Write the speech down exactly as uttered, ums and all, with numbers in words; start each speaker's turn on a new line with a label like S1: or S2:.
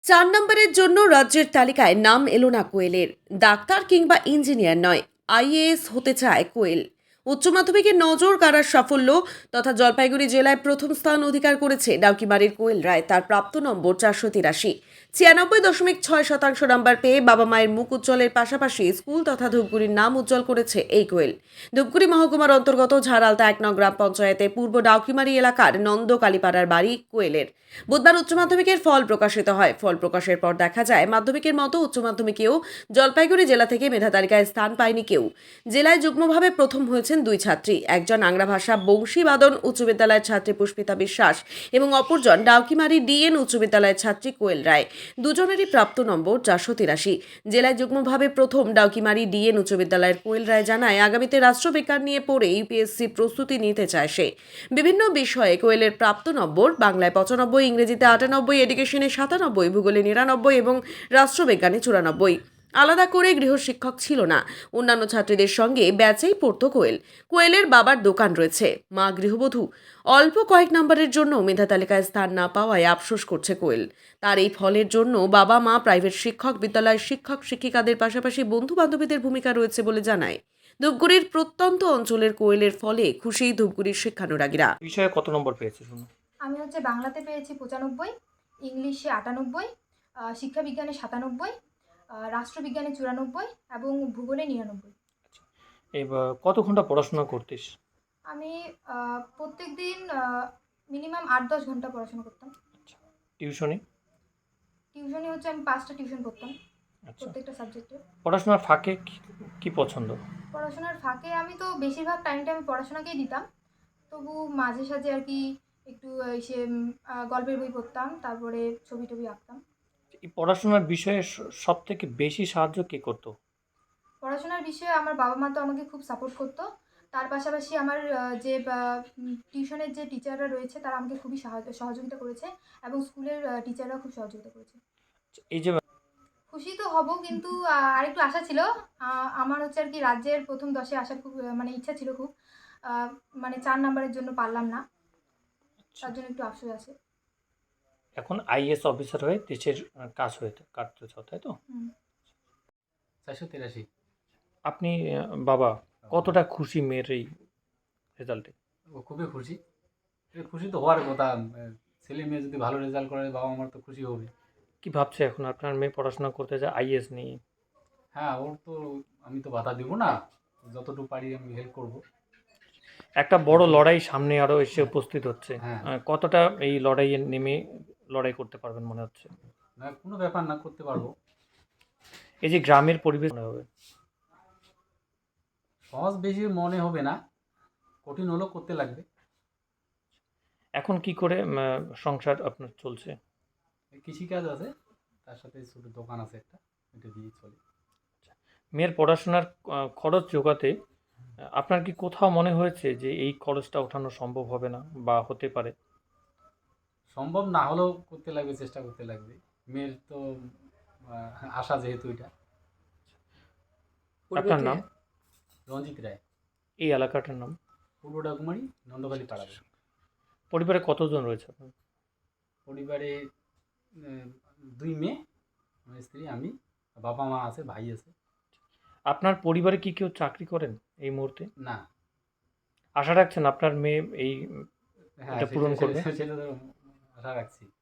S1: চার নম্বরের জন্য রাজ্যের তালিকায় নাম এলো না কোয়েলের। ডাক্তার কিংবা ইঞ্জিনিয়ার নয়, আইএএস হতে চায় কোয়েল। উচ্চ মাধ্যমিকের নজর কাড়ার সাফল্য তথা জলপাইগুড়ি জেলায় প্রথম স্থান অধিকার করেছে ডাউকিমারির কোয়েল রায়। তার প্রাপ্ত নম্বর চারশো তিরাশি, ছিয়ানব্বই দশমিক ছয় শতাংশ নম্বর পেয়ে বাবা মায়ের মুখ উজ্জ্বলের পাশাপাশি স্কুল তথা ধূপগুড়ির নাম উজ্জ্বল করেছে এই কোয়েল। ধূপগুড়ি মহকুমার অন্তর্গত ঝাড়ালতা এক নং গ্রাম পঞ্চায়েতে পূর্ব ডাউকিমারি এলাকার নন্দ কালীপাড়ার বাড়ি কোয়েলের। বুধবার উচ্চ মাধ্যমিকের ফল প্রকাশিত হয়। ফল প্রকাশের পর দেখা যায় মাধ্যমিকের মতো উচ্চ মাধ্যমিকেও জলপাইগুড়ি জেলা থেকে মেধা তালিকায় স্থান পায়নি কেউ। জেলায় যুগ্মভাবে প্রথম হয়েছেন দুই ছাত্রী, একজন আংরা ভাষা বংশীবাদন উচ্চ বিদ্যালয়ের ছাত্রী পুষ্পিতা বিশ্বাস এবং অপরজন ডাউকিমারি ডিএন উচ্চ বিদ্যালয়ের ছাত্রী কোয়েল রায়। দুজনেরই প্রাপ্ত নম্বর চারশো তিরাশি। জেলায় যুগ্মভাবে প্রথম ডাউকিমারি ডিএন উচ্চ বিদ্যালয়ের কোয়েল রায় জানায় আগামীতে রাষ্ট্রবিজ্ঞান নিয়ে পড়ে ইউপিএসসি প্রস্তুতি নিতে চায় সে। বিভিন্ন বিষয়ে কোয়েলের প্রাপ্ত নম্বর বাংলায় পঁচানব্বই, ইংরেজিতে আটানব্বই, এডুকেশনে সাতানব্বই, ভূগোলে নিরানব্বই এবং রাষ্ট্রবিজ্ঞানে চুরানব্বই। আলাদা করে গৃহশিক্ষক ছিল না। অন্যান্য ছাত্রীদের সঙ্গে ব্যাচেই পড়তো কোয়েল। কোয়েলের বাবার দোকান রয়েছে, মা গৃহবধূ। অল্প কয়েক নম্বরের জন্য মেধা তালিকায় স্থান না পাওয়ায় আফসোস করছে কোয়েল। তার এই ফলের জন্য বাবা মা, প্রাইভেট শিক্ষক, বিদ্যালয়ের শিক্ষক শিক্ষিকাদের পাশাপাশি বন্ধু বান্ধবীদের ভূমিকা রয়েছে বলে জানায়। ধূপগুড়ির প্রত্যন্ত অঞ্চলের কোয়েলের ফলে খুশি ধূপগুড়ির শিক্ষানুরাগীরা।
S2: বিষয়ে কত নম্বর পেয়েছে শুনুন।
S3: আমি হচ্ছে বাংলাতে পেয়েছি পঁচানব্বই, ইংলিশে আটানব্বই, শিক্ষাবিজ্ঞানে সাতানব্বই, রাষ্ট্রবিজ্ঞানে চুরানব্বই এবং ভূগোলে নিরানব্বই।
S2: আচ্ছা, এবার কত ঘন্টা পড়াশোনা করতিস?
S3: আমি প্রত্যেক দিন মিনিমাম আট দশ ঘন্টা পড়াশোনা করতাম।
S2: আচ্ছা, টিউশনি?
S3: টিউশনি হচ্ছে আমি পাঁচটা টিউশন করতাম।
S2: আচ্ছা,
S3: প্রত্যেকটা সাবজেক্টে।
S2: পড়াশোনার ফাঁকে কি- কি পছন্দ?
S3: পড়াশোনার ফাঁকে আমি তো বেশিরভাগ টাইমটা আমি পড়াশোনাকেই দিতাম, তবু মাঝে সাঝে আর কি একটু এসে গল্পের বই পড়তাম, তারপরে ছবি টবি আঁকতাম।
S2: এই পড়াশোনার বিষয়ে সব থেকে বেশি সাহায্য কে করতো?
S3: পড়াশোনার বিষয়ে আমার বাবা মা তো আমাকে খুব সাপোর্ট করতো। তার পাশাপাশি আমার যে টিউশনের যে টিচাররা রয়েছে তারা আমাকে খুবই সহযোগিতা করেছে এবং স্কুলের টিচাররা খুব সহযোগিতা করেছে।
S2: এই যে
S3: খুশি তো হব, কিন্তু আরেকটু আশা ছিল। আমার হচ্ছে আর কি রাজ্যের প্রথম দশে আসার খুব মানে ইচ্ছা ছিল খুব, মানে চার নাম্বারের জন্য পারলাম না, তার জন্য একটু আফসোস আছে।
S2: এখন আইএস অফিসার হয়ে দেশের কাজ হয়ে কাটতে চাও, তাই তো?
S4: চারশো তিরাশি।
S2: আপনি বাবা কতটা খুশি মেয়ের এই রেজাল্টে?
S4: ও খুবই খুশি। খুশি তো হওয়ার কথা, ছেলে মেয়ে যদি ভালো রেজাল্ট করে বাবা আমার তো খুশি হবে।
S2: কি ভাবছে এখন আপনার মেয়ে পড়াশোনা করতে যায় আইএস নিয়ে?
S4: হ্যাঁ, ওর তো আমি তো বাধা দিব না, যতটুকু পারি আমি হেল্প করব।
S2: একটা বড় লড়াই সামনে আরো এসে উপস্থিত হচ্ছে।
S4: হ্যাঁ।
S2: কতটা এই লড়াইয়ে নেমে লড়াই করতে পারবেন মনে হচ্ছে?
S4: না, কোনো ব্যাপার না, করতে পারবো।
S2: এই যে গ্রামের পরিবেশ মনে হবে
S4: সহজ বেশি মনে হবে না, কঠিন হলেও করতে লাগবে।
S2: এখন কি করে সংসার আপনার চলছে?
S4: কৃষিকাজ আছে, তার সাথে ছোট দোকান আছে একটা, এটা দিয়ে চলে।
S2: মেয়ের পড়াশোনার খরচ জোগাতে আপনার কি কোথাও মনে হয়েছে যে এই খরচটা ওঠানো সম্ভব হবে না বা হতে পারে?
S4: সম্ভব না হলেও করতে লাগবে, চেষ্টা করতে লাগবে। মেয়ের তো আশা যেহেতু এটা।
S2: আপনার নাম?
S4: রঞ্জিত রায়।
S2: এই এলাকাটার নাম?
S4: পূর্ব ডাকুমারি, নন্দকালী পাড়া।
S2: পরিবারে কতজন রয়েছে আপনার?
S4: পরিবারে দুই মেয়ে, আমার স্ত্রী, আমি, বাবা মা আছে, ভাই আছে।
S2: আপনার পরিবারে কি কেউ চাকরি করেন এই মুহূর্তে?
S4: না।
S2: আশা রাখছেন আপনার মেয়ে এই
S4: হ্যাঁ,
S2: এটা পূরণ করবে?
S4: সেটা তো আশা রাখছি।